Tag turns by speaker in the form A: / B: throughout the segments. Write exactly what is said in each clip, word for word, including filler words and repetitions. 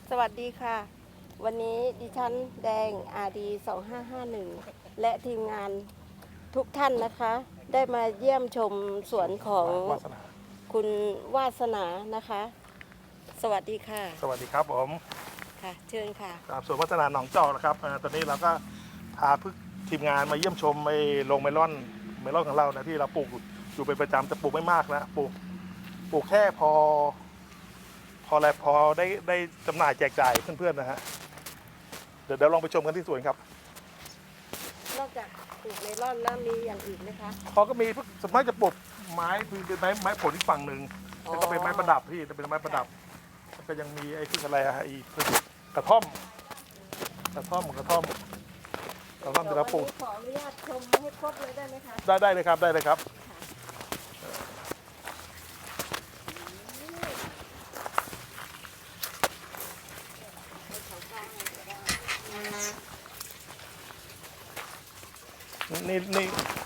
A: สวัสดีค่ะวันนี้ดิฉันแดง อาร์ ดี สองห้าห้าหนึ่ง และทีมงานทุกท่านนะคะ ได้มาเยี่ยมชมสวนของคุณวาสนานะคะ สวัสดีค่ะ
B: สวัสดีครับผม
A: ค่ะเชิญค่ะ
B: ครับสวนวัฒนาหนองจอกนะครับตอนนี้เราก็พาพึ่ทีมงานมาเยี่ยมชมไอ้โรงเมลอนเมลอนของเรานะที่เราปลูกอยู่เป็นประจำแต่ปลูกไม่มากนะปลูกปลูกแค่พอพอแล้วพอได้ได้จำหน่ายแจกจ่ายเพื่อนๆนะฮะเดี๋ยวเดี๋ยวลองไปชมกันที่สวนครับ
A: นอกจากปลูกเมลอนแล้วมีอย่างอื่นไหมคะ
B: เขาก็มีสมมติจะปลูกไม้เป็นไม้ไม้ผลอีกฝั่งหนึ่งแล้วก็เป็นไม้ประดับพี่เป็นไม้ประดับก็ยังมีไอ้ที่อะไรอะไอ้กระท่อมกระท่อมกระท่อมกระท่อมที่เราปลูก
A: ขออนุญาตชมให้ครบเลยได้ไหมคะ
B: ได้ได้เลยครับได้เลยครับนี่นี่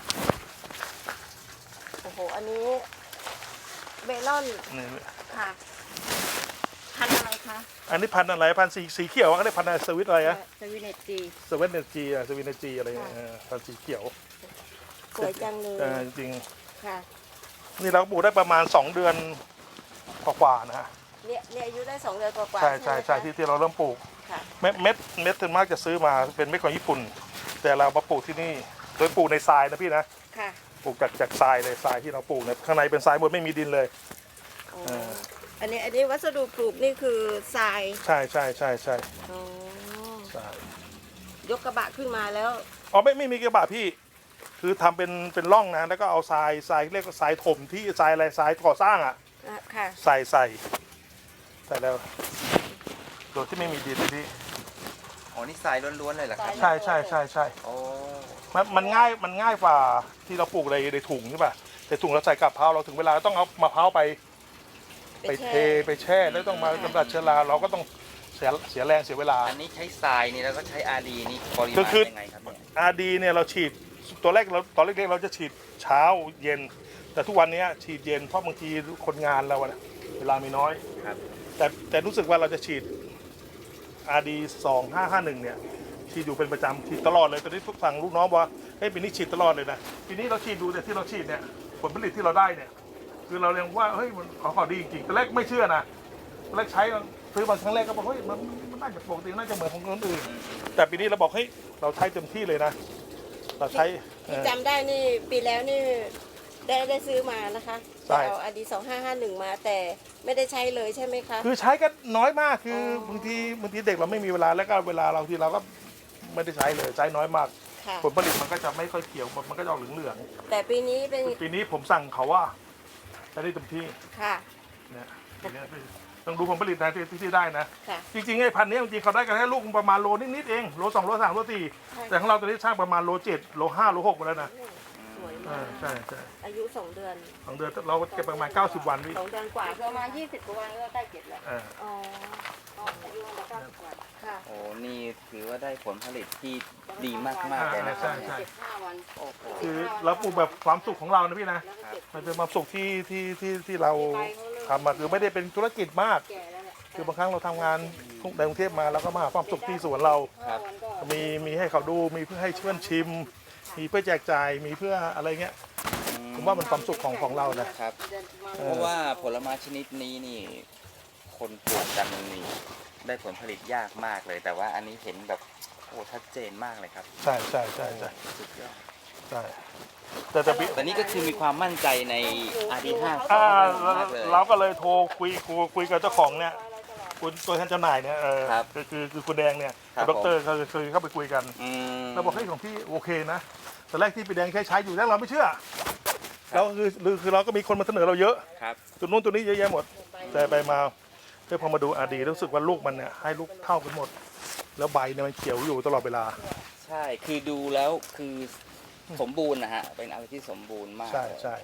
A: โอ้โหอันนี้เมลอน
B: นี่
A: ค่ะพันธุ์อะไรคะ
B: อันนี้พันธุ์อะไรพันธุ์สีสีเขียวก็ได้พันธุ์อะไรสวิตอะไรอะ
A: สวินเนตจี
B: สวิตเนจีอะสวิตเนจีอะไรพันธุ์สีเขียว
A: สวยจังเลย
B: จริง
A: ค่ะ
B: นี่เราปลูกได้ประมาณสองเดือนกว่าๆนะฮะ
A: เนี่ยเนี่ยอายุได้สองเดือนกว่า
B: ใช่ใช่ใช่ที่ที่เราเริ่มปลูกเม็ดเม็ดเม็ดส่วนมากจะซื้อมาเป็นเม็ดของญี่ปุ่นแต่เรามาปลูกที่นี่โดยปลูกในทรายนะพี่นะ
A: ค่ะ
B: ปลูกจากจากทรายเลยทรายที่เราปลูกเนี่ยข้างในเป็นทรายหมดไม่มีดินเลย
A: อันนี้อันนี้วัสดุปลูกนี่คือทราย
B: ใช่ใช่ใช่ใช่
A: ทรายยกกระบะขึ้นมาแล้ว
B: อ๋อไม่ไม่มีกระบะพี่คือทำเป็นเป็นร่องนะแล้วก็เอาทรายทรายเรียกว่าทรายถมที่ทรายอะไรทรายก่อสร้างอ่ะใส่ใส่ใส่แล้วโดยที่ไม่มีดินเลยพี่
C: อ๋อนี่ทรายล้วนๆเลยเหรอครับ
B: ใช่ใช่ใช่ใช่
C: โอ้
B: มันมันง่ายมันง่ายกว่าที่เราปลูกในในถุงใช่ป่ะแต่ถุงเราใส่กับมะพร้าวเราถึงเวลาต้องเอามะพร้าวไปไปเทไปแช่แล้วต้องมากำจัดเชื้อราเราก็ต้องเสียเสียแรงเสียเวลา
C: อันนี้ใช้ทรายนี่แล้วก็ใช้อาร์ดีนี่ปริมาณยังไงครับเนี่ย
B: อาร์ดีเนี่ยเราฉีดตัวแรกเราตอนเล็กๆเราจะฉีดเช้าเย็นแต่ทุกวันนี้ฉีดเย็นเพราะบางทีคนงานเราเวลามีน้อย
C: ครับ
B: แต่แต่รู้สึกว่าเราจะฉีด อาร์ ดี สองห้าห้าหนึ่งเนี่ยฉีดอยู่เป็นประจำฉีดตลอดเลยตอนนี้ทุกฝั่งลูกน้องว่าเฮ้ยปีนี้ฉีดตลอดเลยนะปีนี้เราฉีดดูแต่ที่เราฉีดเนี่ยผลผลิตที่เราได้เนี่ยคือเราเรียกว่าเฮ้ยมันของเขาดีจริงๆตอนแรกไม่เชื่อนะตอนแรกใช้ซื้อมาครั้งแรกก็บอกเฮ้ยมันมันน่าจะปกติน่าจะเหมือนของคนอื่นแต่ปีนี้เราบอกเฮ้ยเราใช้เต็มที่เลยนะเราใช้
A: ที่จำได้นี่ปีแล้วนี่ได้ได้ซื้อมานะคะแต่เอา อาร์ ดี สองห้าห้าหนึ่งมาแต่ไม่ได้ใช้เลยใช่ไหมคะ
B: คือใช้ก็น้อยมากคือบางทีบางทีเด็กเราไม่มีเวลาแล้วก็เวลาเราที่เราก็ไม่ได้ใช้เลยใช้น้อยมากผลผลิตมันก็จะไม่ค่อยเขียวมันก็จะออกเหลือง
A: ๆแต่ปีนี้เป็น
B: ปีนี้ผมสั่งเขาว่าใช้ได้เต็มที่
A: ค่ะ
B: เนี่ยต้องดูผลผลิตนะที่ที่ได้นะจริงๆไอ้พันนี้จริงๆเขาได้กันแค่ลูกประมาณโลนิดๆเองโลสองโลสามโลสี่แต่ของเราตอนนี้ช่างประมาณโลเจ็ดโลห้าโลหกมาแล้วนะใช่ใช่
A: อายุสองเดือน
B: สองเดือนเราเก็บประมาณเก้าสิบวันพี่
A: สองเดือนกว่าประมาณยี่สิบกว่าวันก็ใกล้เก็บแล้วอ๋ออายุมันเก้าสิบวันค่ะ
C: โอ้นี่ถือว่าได้ผลผลิตที่ดีมากๆเลยนะ
B: ใช่ใช่
A: เจ็ดห้าวัน
B: คือเราปลูกแบบความสุขของเรานะพี่นะมันเป็นความสุขที่ที่ที่ที่เราทำมาคือไม่ได้เป็นธุรกิจมากคือบางครั้งเราทำงานในกรุงเทพมาแล้วก็มาหาความสุขที่สวนเรามีมีให้เขาดูมีเพื่อให้เพื่อนชิมมีเพื่อแจกจ่ายมีเพื่ออะไรเงี้ยผมว่ามันความสุขของของเรา
C: นะครับเพราะว่าผลไม้ชนิดนี้นี่คนปลูกกันนี่ได้ผลผลิตยากมากเลยแต่ว่าอันนี้เห็นแบบโอ้ชัดเจนมากเลยครับ
B: ใช่ใช่ใช่ใช่
C: สุดยอด
B: ใช่แต่
C: แต่นี้ก็คือมีความมั่นใจใน อาร์ ดี ห้า
B: เราก็เลยโทรคุยคุยกับเจ้าของเนี่ยคุณตัวแทนจำหน่ายเนี่ยเออคือคือคุณแดงเนี่ยดรเขาเคยเข้าไปคุยกันเราบอกให้ของพี่โอเคนะแต่แรกที่พี่แดงใช้ใช้อยู่แรกเราไม่เชื่อแล้วคือคือเราก็มีคนมาเสนอเราเยอะตัวนู้นตัวนี้เยอะแยะหมดแต่ไปมาเพื่อพอมาดูอาร์ดีรู้สึกว่าลูกมันเนี่ยให้ลูกเท่ากันหมดแล้วใบเนี่ยมันเขียวอยู่ตลอดเวลา
C: ใช่คือดูแล้วคือสมบูรณ์นะฮะเป็นอะไรที่สมบูรณ์มาก
B: ใช่ใช่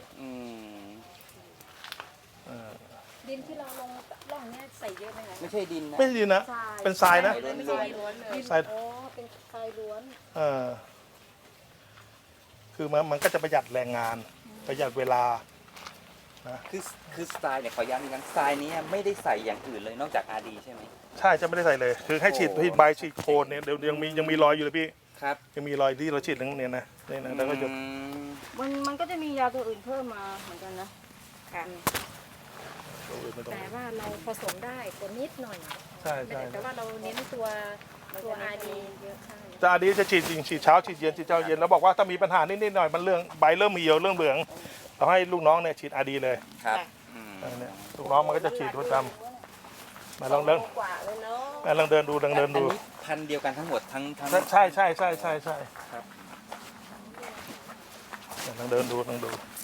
A: ดินที่เราลงร่องนี้ใส่เยอะไหมคะ
C: ไม่ใช่ดินนะ
B: ไม่ใช่ดินนะเป็นทรายนะ
A: ทรายล้วนเลยทรายอ๋อเป็นทรายล้วน
B: เออคือมันมันก็จะประหยัดแรงงานประหยัดเวลานะ
C: คือคือสไตล์เนี่ยขอย้ำอีกครั้งสไตล์นี้ไม่ได้ใส่อย่างอื่นเลยนอกจาก อาร์ ดี ใช่ไหม
B: ใช่จะไม่ได้ใส่เลย คือให้ฉีด
C: โอ้
B: ที่ใบฉีดโคนเนี่ยเดี๋ยวยังมียังมีรอยอยู่เลยพี่
C: ครับ
B: ยังมีรอยที่เราฉีดตรงเนี้ยนะนี่นะแล้วก็จะ
C: อืม
A: มันมันก็จะมียาตัวอื่นเพิ่มมาเหมือนกันนะค่ะ
B: ไม่ต้อง
D: แต่ว่าเราผสมได้ตัวนิดหน่อย
B: ใช่ใช่
D: แต่ว่าเราเน้นตัวตัวอาดีเยอะใช่
B: จะอันนี้จะฉีดจริงฉีดเช้าฉีดเย็นฉีดเช้าเย็นแล้วบอกว่าถ้ามีปัญหานิดๆหน่อยมันเรื่องใบเริ่มเหี่ยวเริ่มเหลืองเราให้ลูกน้องเนี่ยฉีดอาดีเลย
C: ครับอืม
B: อันเนี่ยลูกน้องมันก็จะฉีดประจำมาลองเดิน
A: กว่าเลยเนาะ
B: มาลองเดินดูลองเดิน
C: อัน
B: ดู
C: นี้พันธุ์เดียวกันทั้งหมดทั้งทั้ง
B: ใช่ใช่ใช่ใช่ใช่
C: ครับ
B: ลองเดินดูลองดู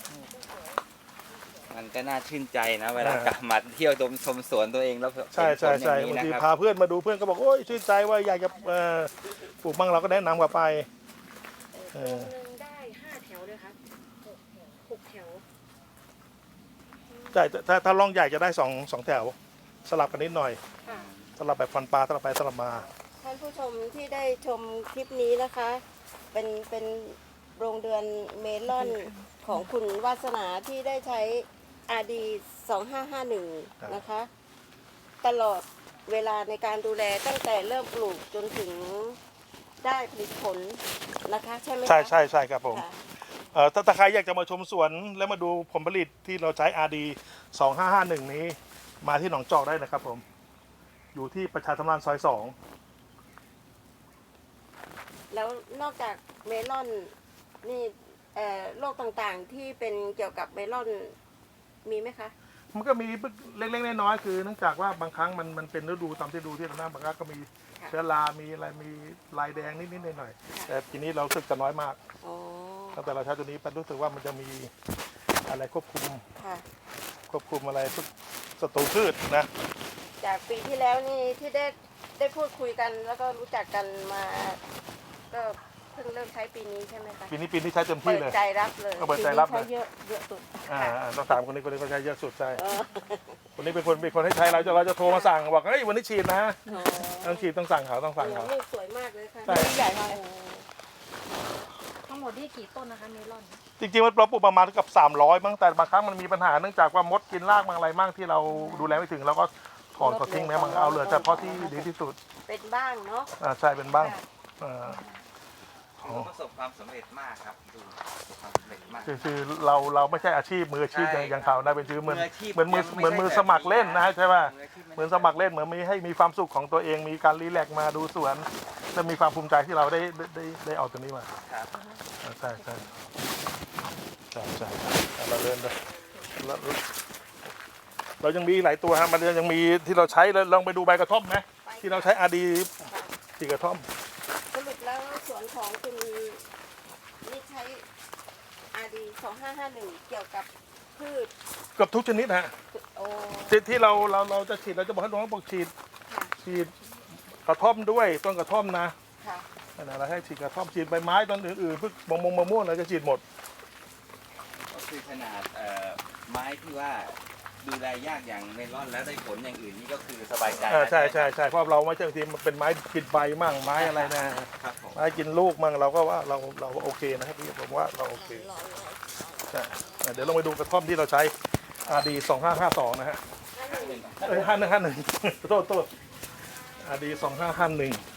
C: มันก็น่าชื่นใจนะเวลา
B: อ่า
C: กลับมาเที่ยวดมชมสวนตัวเองแล้ว
B: ใช่ใช่ใช่
C: เห็นผลอย่
B: บาง
C: ง
B: ที
C: นี้นะค
B: พา
C: รับ
B: เพื่อนมาดูเพื่อนก็บอกโอ้ยชื่นใจว่าอยากจะเอ่อปลูกบ้างเราก็แนะนำกลับไปเออ
D: หนึ่งได้ห้าแถวเลยครับหกหกแถว
B: ใช่ถ้าถ้าร่องใหญ่จะได้สองสองแถว สลับกันนิดหน่อย
A: ค่ะ
B: สลับแบบฟันปลาสลับไปสลับมา
A: ท่านผู้ชมที่ได้ชมคลิปนี้นะคะ เป็นเป็นโรงเรือนเมลอนของคุณวาสนาที่ได้ใช้ อาร์ ดี สองห้าห้าหนึ่ง
B: ครับ
A: นะคะ ตลอดเวลาในการดูแลตั้งแต่เริ่มปลูกจนถึงได้ผลิตผลนะคะ ใช่ไหมคะ
B: ใช่ใช่ใช่ครับผม
A: ค่ะ
B: เอ่อถ้าถ้าใครอยากจะมาชมสวนแล้วมาดูผลผลิตที่เราใช้ อาร์ ดี สองห้าห้าหนึ่ง นี้มาที่หนองจอกได้นะครับผม อยู่ที่ประชาสัมพันธ์ซอยสอง
A: แล้วนอกจากเมลอนนี่เอ่อโรคต่างๆที่เป็นเกี่ยวกับเมลอนมีไหมคะ
B: มันก็มีเล็กๆน้อยๆคือเนื่องจากว่าบางครั้งมันมันเป็นฤดูตามที่ดูที่เราหน้าบางครั้งก็มี
A: ค่ะ
B: เชื้อรา มีอะไร มีลายแดงนิดๆหน่อยๆแต่ทีนี้เราสึกจะน้อยมาก
A: อ๋อ
B: ตั้งแต่เราใช้ตัวนี้เป็นรู้สึกว่ามันจะมีอะไรควบคุม
A: ค่ะ
B: ควบคุมอะไรพวกศัตรูพืชนะ
A: จากปีที่แล้วนี่ที่ได้ได้พูดคุยกันแล้วก็รู้จักกันมา ก็เพิ่งเริ่มใช้ปีนี้ใช่ไหมคะ
B: ปีนี้ปีนี้ใช้เต็ม
A: เปิ
B: ที่
A: ด
B: เลย
A: ใจรับเลย
B: ก็เปิดใจรับเลย
D: ใช้เยอะเยอะสุด
B: อ่าอ่าต้องถามคนนี้คนนี้เขาใช้เยอะสุดใช่
A: เออ
B: คนนี้เป็นคนเป็นคนให้ใช้เราจะเราจะโทรมาสั่งบอกเฮ้ยวันนี้ฉีดนะ
A: อ๋อ
B: ต้องฉีดต้องสั่งเขาต้องสั่งเขา
A: ลูกสวยมากเลยค่ะ
B: ใช่
A: ลูกใหญ่มาก
D: ทั้งหมดนี่กี่ต้นนะคะเมลอน
B: จริงๆมันเราปลูกประมาณเกับสามร้อยบ้างแต่บางครั้งมันมีปัญหาเนื่องจากว่ามดกินรากบางอะไรบ้างที่เราดูแลไม่ถึงเราก็ถอนเขาทิ้งแม้มันเอาเหลือเฉพาะที่ดีที่สุด
A: เป็นบ้างเนาะ
B: อ่าใช่เป็นบ้างอ่า
C: ถือว่าประสบความสำเร็จมากครับดูประสบความสำเร็จมาก
B: คือคือเราเราไม่ใช่อาชีพมืออาชีพ
C: ใช่
B: อย่างอย่างเขานะเป็นชื่อเหมือน
C: มืออาชีพ
B: เหมือนมือ
C: ยังไม่
B: เหมือนมือ
C: ใช่
B: สมัครเล่นนะ
C: แบบนี้
B: ใช่ป่ะ
C: มืออาชีพไม่
B: เหมือนสมัครเล่นเหมือนมีให้มีความสุขของตัวเองมีการรีแลกซ์มาดูสวนและมีความภูมิใจที่เราได้ได้ได้ได้เอาตัวนี้มา
C: ครับ
B: อ่าใช่ใช่ใช่ใช่อ่ะเราเดินไปแล้วเรายังมีหลายตัวฮะมันยังมีที่เราใช้แล้วลองไปดูใบกระท่อมไหมที่เราใช้อาดีสีกระท่อม
A: สรุปแล้วสวนของคุณนี่ใช้ อาร์ ดี สองห้าห้าหนึ่ง เกี่ยวกับพืช
B: เกือบทุกชนิดฮะ
A: โอ้
B: ที่ที่เราเราเราจะฉีดเราจะบอกให้น้องบอกฉีด
A: ค่ะ
B: ฉีดกระท่อมด้วยต้นกระท่อมนะ
A: ค่ะ
B: นั่นแหละเราให้ฉีดกระท่อมฉีดใบไม้ต้นอื่นๆพวกมะม่วงมะม่วงเราจะฉีดหมด
C: ก็คือขนาดเอ่อไม้ที่ว่าดูแลยากอย่างเมลอนแล้วได้ผลอย่างอื่นนี่ก็คือสบายใจ
B: อ่าใช่
C: แล้ว
B: ใช่
C: ไหม
B: ใช่เพราะเราไม่ใช่บางทีมันเป็นไม้กินใบมั่งไม้อะไรนะครับ
C: ผม
B: ไม้กินลูกมั่งเราก็ว่าเราเราโอเคนะครับพี่ผมว่าเราโอเคใช่อ่ะเดี๋ยวลองไปดูกระท่อมที่เราใช้ อาร์ ดี สองห้าห้าสองนะฮะเอ้ยห้าหนึ่งห้าหนึ่งโทษโทษ อาร์ ดี สองห้าห้าหนึ่ง